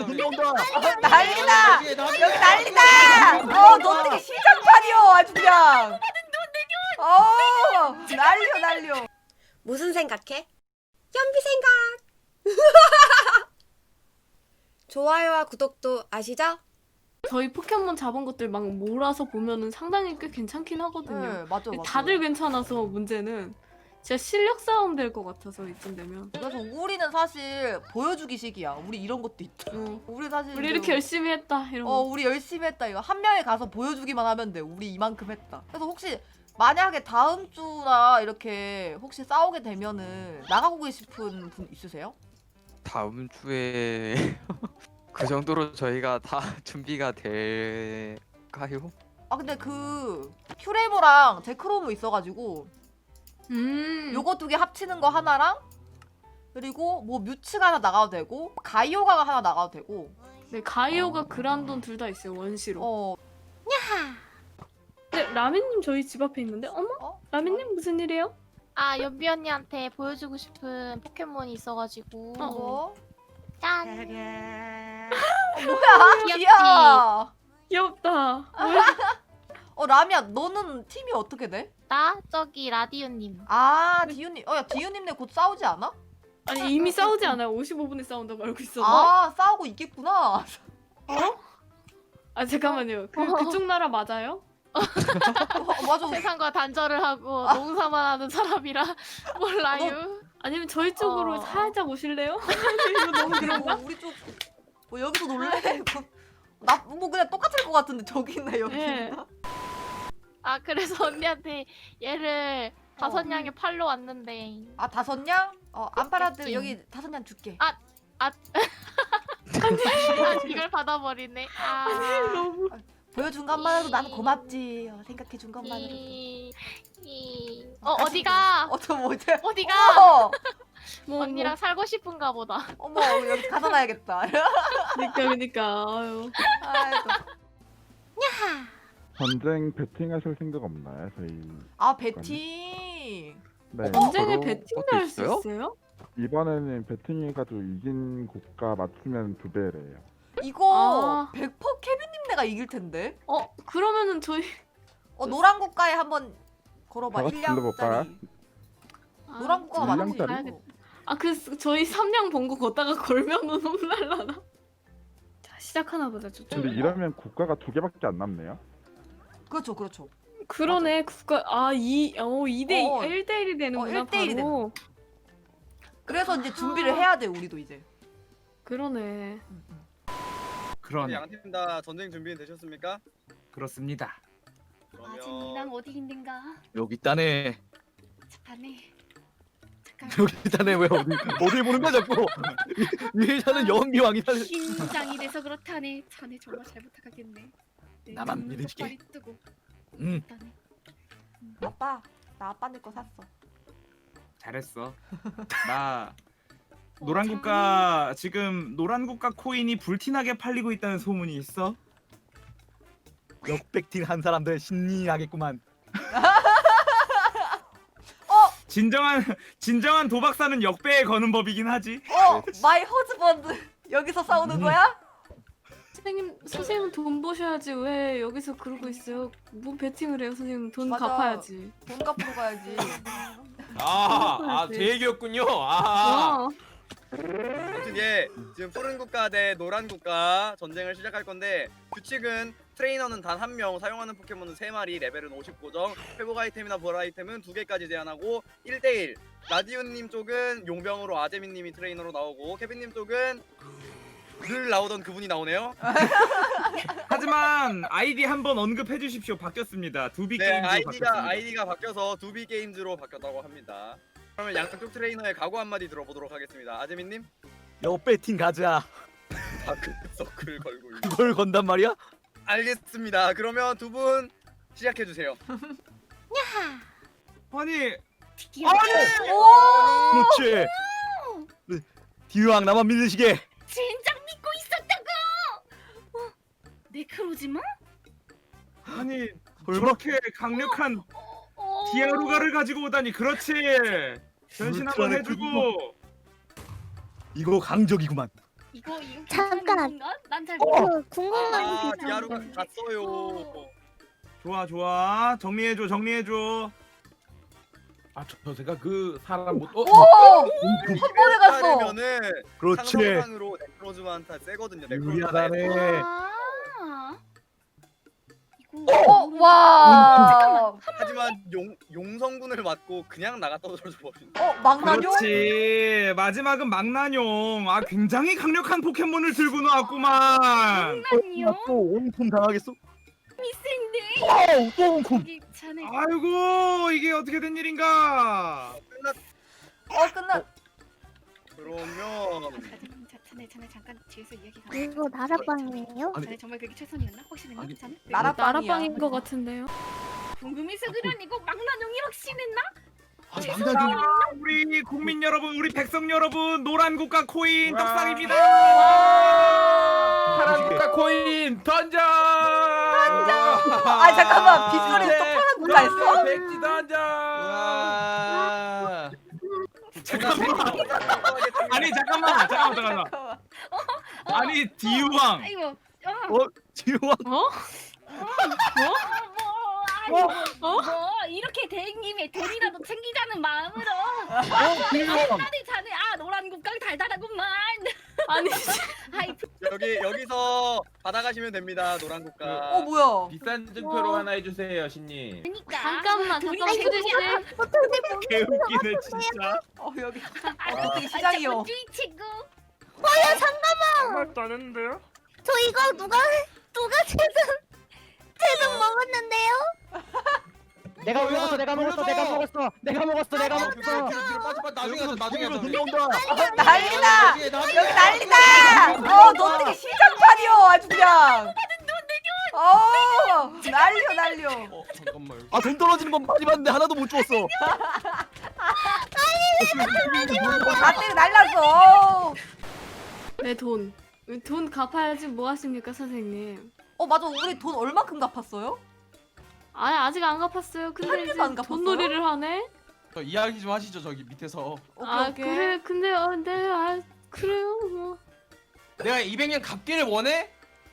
문정다. 난리다. 여기 난리다. 너 어떻게 시장판이요 아주 그냥. 난리요. 무슨 생각해? 연비 생각. 좋아요와 구독도 아시죠? 저희 포켓몬 잡은 것들 막 몰아서 보면은 상당히 꽤 괜찮긴 하거든요. 네, 맞아. 다들 괜찮아서 문제는 진짜 실력 싸움 될 것 같아서 이쯤 되면. 그래서 우리는 사실 보여주기식이야. 우리 이런 것도 있다. 우리 사실 우리 이렇게 열심히 했다 이런 거. 우리 열심히 했다. 이거 한 명에 가서 보여주기만 하면 돼. 우리 이만큼 했다. 그래서 혹시 만약에 다음 주나 이렇게 혹시 싸우게 되면은 나가고 싶은 분 있으세요? 다음 주에 그 정도로 저희가 다 준비가 될까요? 근데 그 퓨레모랑 제크로모 있어가지고 요거 두 개 합치는 거 하나랑 그리고 뭐 뮤츠가 하나 나가도 되고 가이오가가 하나 나가도 되고. 네, 가이오가 그란돈 둘 다 있어요 원시로. 근데 라면님 저희 집 앞에 있는데 어머? 라면님 무슨 일이에요? 연비 언니한테 보여주고 싶은 포켓몬이 있어가지고. 뭐? 짠. 뭐야? 귀엽지? 귀여워. 귀엽다. 라미야, 너는 팀이 어떻게 돼? 나 저기 라디오님. 디유님. 야, 디유님네 곧 싸우지 않아? 아니 이미 싸우지 않아요. 55분에 싸운다고 알고 있었나? 싸우고 있겠구나. 잠깐만요. 그쪽 나라 맞아요? 맞아. 세상과 단절을 하고 농사만 하는 사람이라 몰라요. 아니면 저희 쪽으로 살짝 오실래요? 이거 너무 그런가? 우리 쪽 여기서 놀래? 뭐 그냥 똑같을 것 같은데 저기 있네 여기. 네. 그래서 언니한테 얘를 5냥에 팔러 왔는데. 5냥? 안 팔아도 그치. 여기 5냥 줄게. 이걸 받아버리네. 너무. 보여준 것만 해도 나는 고맙지. 생각해준 것만 해도. 어디가? 뭐지? 어디가? 뭐, 언니랑 살고 싶은가 보다. 어머 여기 가서 놔야겠다. 그니까 아유. 아이고. 전쟁 배팅하실 생각 없나요? 저희 배팅. 네. 전쟁에 그런 배팅도 것도 할 수 있어요? 있어요? 이번에는 배팅해가지고 이긴 국가 맞추면 2배래요. 이거 100% 케빈님네가 이길 텐데. 그러면은 저희 노란 국가에 한번 걸어봐. 다 같이 불러볼까요? 1량짜리. 노란 국가가 맞지? 1량짜리? 저희 3냥 본거 걷다가 걸면은 혼날라나? 자 시작하나 보자 저쪽. 근데 이러면 국가가 2개밖에 안 남네요. 그렇죠. 그러네 국가 2대 1대1이 되는구나 1대1이 바로. 그래서 이제 준비를 해야 돼 우리도 이제. 그러네. 그런 양팀 다 전쟁 준비는 되셨습니까? 그렇습니다. 그러면 어디 있는가? 여기 있다네. 자네. 여기 있다네. 왜 어디 보는 거야 자꾸? 위에서는 연비왕이다. 긴장이 돼서 그렇다네. 자네 정말 잘 부탁하겠네. 네, 나만 눈을 믿으시게. 똑바로 뜨고 응, 있다네. 아빠 나 아빠네 거 샀어. 잘했어. 나 노란 국가 지금 노란 국가 코인이 불티나게 팔리고 있다는 소문이 있어. 역백팅 한 사람들 신나겠구만. 진정한 도박사는 역배에 거는 법이긴 하지. 마이 허즈번드 여기서 싸우는 거야? 선생님 돈 버셔야지 왜 여기서 그러고 있어요? 뭐 배팅을 해요 선생님 돈 맞아. 갚아야지. 돈 갚으러 가야지. 제 얘기였군요. 아무튼 지금 푸른 국가 대 노란 국가 전쟁을 시작할 건데 규칙은 트레이너는 단 1명, 사용하는 포켓몬은 3마리, 레벨은 59점, 회복 아이템이나 보라 아이템은 2개까지 제한하고 1대1. 라디오님 쪽은 용병으로 아재민님이 트레이너로 나오고 케빈님 쪽은 늘 나오던 그분이 나오네요. 하지만 아이디 한번 언급해 주십시오. 바뀌었습니다. 두비 네, 게임즈로 바뀌었습니다. 아이디가 바뀌어서 두비 게임즈로 바뀌었다고 합니다. 그러면 양쪽 트레이너의 각오 한마디 들어보도록 하겠습니다. 아재민님? 역배팅 가자. 다크서클 걸고 있는. 그걸 건단 말이야? 알겠습니다. 그러면 두 분 시작해 주세요. 아니 그렇지. 디왕 나만 믿으시게. 진작 믿고 있었다고. 네크로지마? 아니 저렇게 강력한 디아루가를 가지고 오다니. 그렇지. 변신 한번 해주고. 이거 강적이구만. 이거 잠깐. 괜찮은 건가? 난잘 그 궁금한 아 게 디아루가 있는데. 갔어요. 좋아 정리해줘. 제가 그 사람 못. 오! 한 번에 갔어. 따르면은 그렇지. 상성상으로 네크로즈만타 세거든요. 유리하다네. 아. 이거 와. 하지만 용성군을 맞고 그냥 나가 떨어져 버린. 망나뇽? 그렇지. 마지막은 망나뇽. 아 굉장히 강력한 포켓몬을 들고 나왔구만. 아니요. 또 온품 당하겠어? 미생네. 또 온품. 여기 자네. 아이고 이게 어떻게 된 일인가? 끝났. 그러면 자네 잠깐 뒤에서 이야기 가. 이거 나라빵이에요? 자네 정말 그게 최선이었나? 혹시 됐나? 아니, 자네? 나라빵인 것 같은데요. 궁금해서 그러니고 막나뇽이 확신했나? 망나뇽. 우리 국민 여러분, 우리 백성 여러분, 노란 국가 코인 떡상입니다. 파란 국가 코인 던져. 아 잠깐만 빗소리 또 파란 국가 했어? 백지 던져. 잠깐만. 아니 잠깐만. 아니 디우왕. 아이고. 지우왕. 뭐 이렇게 된 김에 돈이라도 챙기자는 마음으로. 지우왕. 자네 노란 국강 달달하구만. 아니 아이 여기서 받아가시면 됩니다. 노란 국가. 뭐야? 비싼 증표로 하나 해주세요, 신님. 그러니까. 잠깐만 돈이 수지씨. 개웃기네 진짜. 여기 어떻게 시장이요? 친구. 아무것도 안 했는데요? 저 이거 누가 채등 먹었는데요? 내가 먹었어. 내가 먹었어. 나중에 하자, 나중에 하자. 들려온다. 난리다! 여기 난리다! 너 어떻게 시장판이요 아주 그냥. 난리요. 잠깐만. 돈 떨어지는 건 많이 봤는데 하나도 못 주웠어. 밭에 날랐어. 내 돈. 돈 갚아야지 뭐 하십니까 선생님? 맞아 우리 돈 얼마큼 갚았어요? 아니 아직 안 갚았어요. 근데 한 이제 입만 갚았어요? 돈놀이를 하네. 저 이야기 좀 하시죠, 저기 밑에서. 오케이. 그래 근데 그래요 뭐. 내가 200년 갚기를 원해?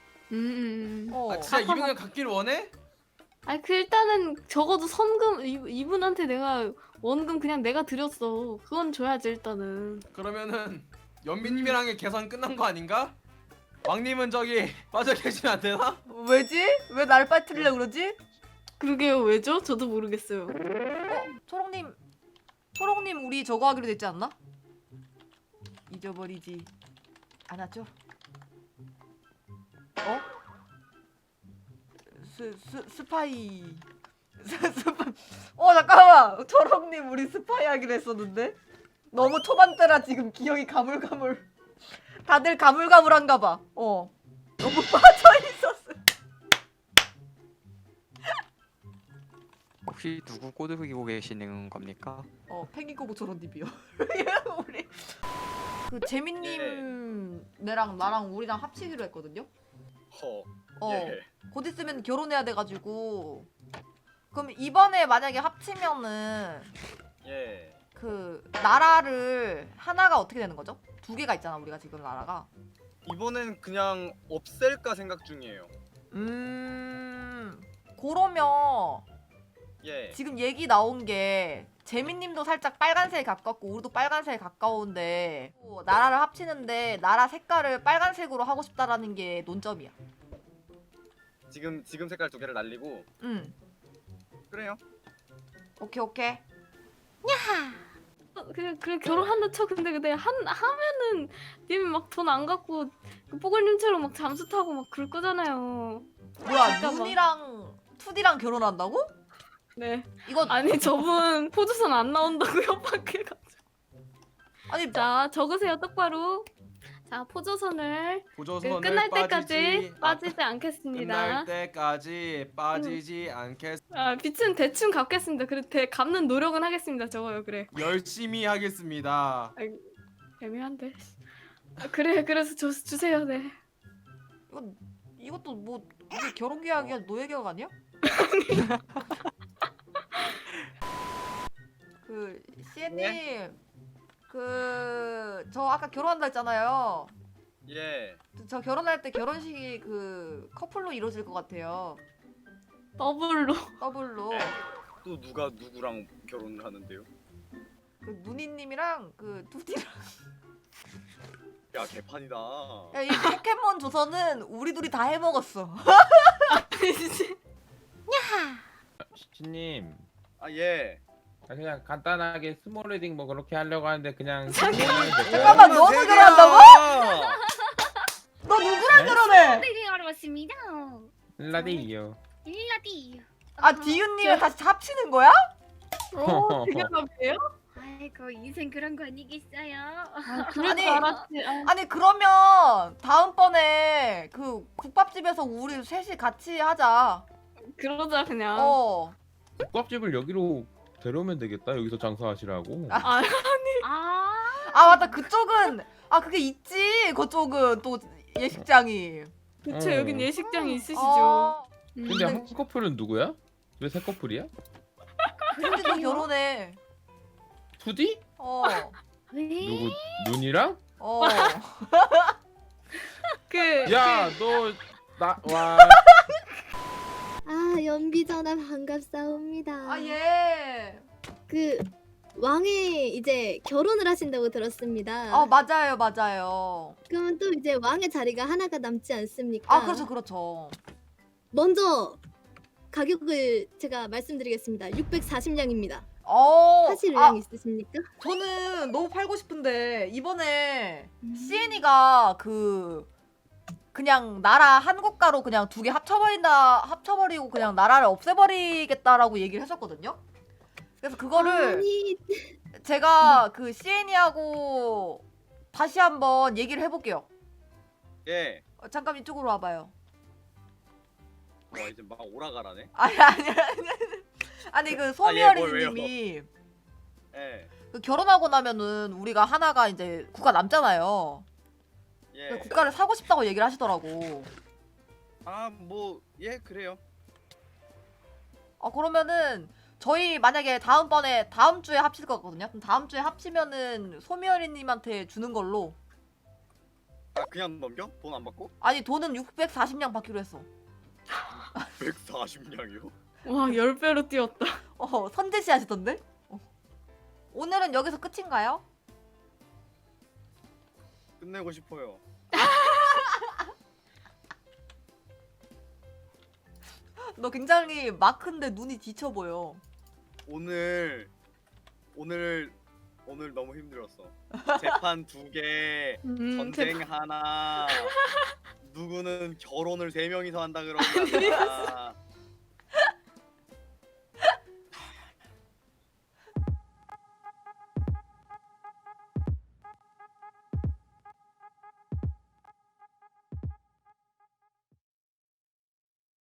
진짜 갚아봐. 200년 갚기를 원해? 아니 일단은 적어도 선금 이분한테 내가 원금 그냥 내가 드렸어. 그건 줘야지 일단은. 그러면은 연민님이랑의 계산 끝난 거 아닌가? 왕님은 저기 빠져 계시면 안 되나? 왜지? 왜 날 빠뜨리려 그러지? 그러게요 왜죠? 저도 모르겠어요. 초롱님 우리 저거 하기로 됐지 않나? 잊어버리지 않았죠? 스파이 잠깐만 초롱님 우리 스파이 하기로 했었는데 너무 초반때라 지금 기억이 가물가물 다들 가물가물한가 봐. 너무 빠져있었어. 혹시 누구 꼬드기고 계시는 겁니까? 펭귄꼬부 초롱님이요. 우리 그 재민님네랑 나랑 우리랑 합치기로 했거든요. 예. 곧 있으면 결혼해야 돼가지고 그럼 이번에 만약에 합치면은 예. 그 나라를 하나가 어떻게 되는 거죠? 두 개가 있잖아 우리가 지금 나라가. 이번엔 그냥 없앨까 생각 중이에요. 그러면 예. 지금 얘기 나온 게 재민님도 살짝 빨간색에 가깝고 우리도 빨간색에 가까운데 나라를 합치는데 나라 색깔을 빨간색으로 하고 싶다라는 게 논점이야. 지금 색깔 두 개를 날리고. 그래요. 오케이. 그래 결혼한다 쳐. 근데 하면은 님이 막 돈 안 갖고 뽀글님처럼 막 잠수 타고 막 그럴 거잖아요. 뭐야 잠깐만. 눈이랑 2D랑 결혼한다고? 네. 이거 아니 저분 포즈선 안 나온다고 협박해가지고. 아니 자 적으세요 똑바로. 자 포조선을 보조선을 끝날 때까지 빠지지 않겠습니다. 끝날 때까지 빠지지 않겠. 빚은 대충 갚겠습니다. 그래 갚는 노력은 하겠습니다. 저거요 그래. 열심히 하겠습니다. 애매한데. 그래 그래서 주세요. 네. 이것도 뭐 이게 결혼 계약이야 노예 계약 아니야? 그 시애님 그 저 아까 결혼한다 했잖아요. 예. 저 결혼할 때 결혼식이 그 커플로 이루어질 것 같아요. 더블로. 더블로. 또 누가 누구랑 결혼을 하는데요? 그 누니님이랑 그 두디랑. 야 개판이다. 야, 이 포켓몬 조선은 우리 둘이 다 해먹었어. 시치님 아 예. 그냥 간단하게 스몰 웨딩 뭐 그렇게 하려고 하는데 그냥 잠깐만, 너도 세 결혼한다고? 개야! 너 누구랑 결혼해? 띠링하러 왔습니다. 라디요. 일라디. 아 디윤님을 다시 합치는 거야? 되게 답이에요? 아이고 인생 그런 거 아니겠어요. 그럴 아니, 줄 알았지. 아니 그러면 다음번에 그 국밥집에서 우리 셋이 같이 하자. 그러자 그냥. 어. 국밥집을 여기로 데려오면 되겠다. 여기서 장사하시라고. 아, 아 맞다, 그쪽은 아 그게 있지. 그쪽은 또 예식장이. 그쵸, 여긴 예식장이 있으시죠. 어. 근데 한 커플은 누구야? 왜 세 커플이야? 근데 너 결혼해. 투디? 어. 누구? 눈이랑? 어. 야, 너 나 와. 아 연비 전화 반갑사옵니다. 아 예. 그 왕의 이제 결혼을 하신다고 들었습니다. 어 맞아요 맞아요. 그러면 또 이제 왕의 자리가 하나가 남지 않습니까? 아 그렇죠 그렇죠. 먼저 가격을 제가 말씀드리겠습니다. 640냥입니다. 하실 아, 의향 있으십니까? 저는 너무 팔고 싶은데 이번에 CN이가 그냥 나라 한 국가로 그냥 두 개 합쳐버리고 그냥 나라를 없애버리겠다라고 얘기를 했었거든요. 그래서 그거를 아니 제가 그 CN이하고 다시 한번 얘기를 해볼게요. 예. 잠깐 이쪽으로 와봐요. 와 이제 막 오라가라네. 아니 그 뭘 소미어리님이 예. 그 결혼하고 나면은 우리가 하나가 이제 국가 남잖아요. 예. 국가를 사고 싶다고 얘기를 하시더라고. 아 뭐 예 그래요. 그러면은 저희 만약에 다음 주에 합칠 거거든요. 그럼 다음 주에 합치면은 소미어리님한테 주는 걸로. 아 그냥 넘겨? 돈 안 받고? 아니 돈은 640냥 받기로 했어. 140냥이요? 와, 10배로 뛰었다. 선제시 하시던데? 오늘은 여기서 끝인가요? 끝내고 싶어요. 너 굉장히 마크인데 눈이 지쳐 보여. 오늘 너무 힘들었어. 재판 2개, 전쟁 하나, 누구는 결혼을 3명이서 한다 그러고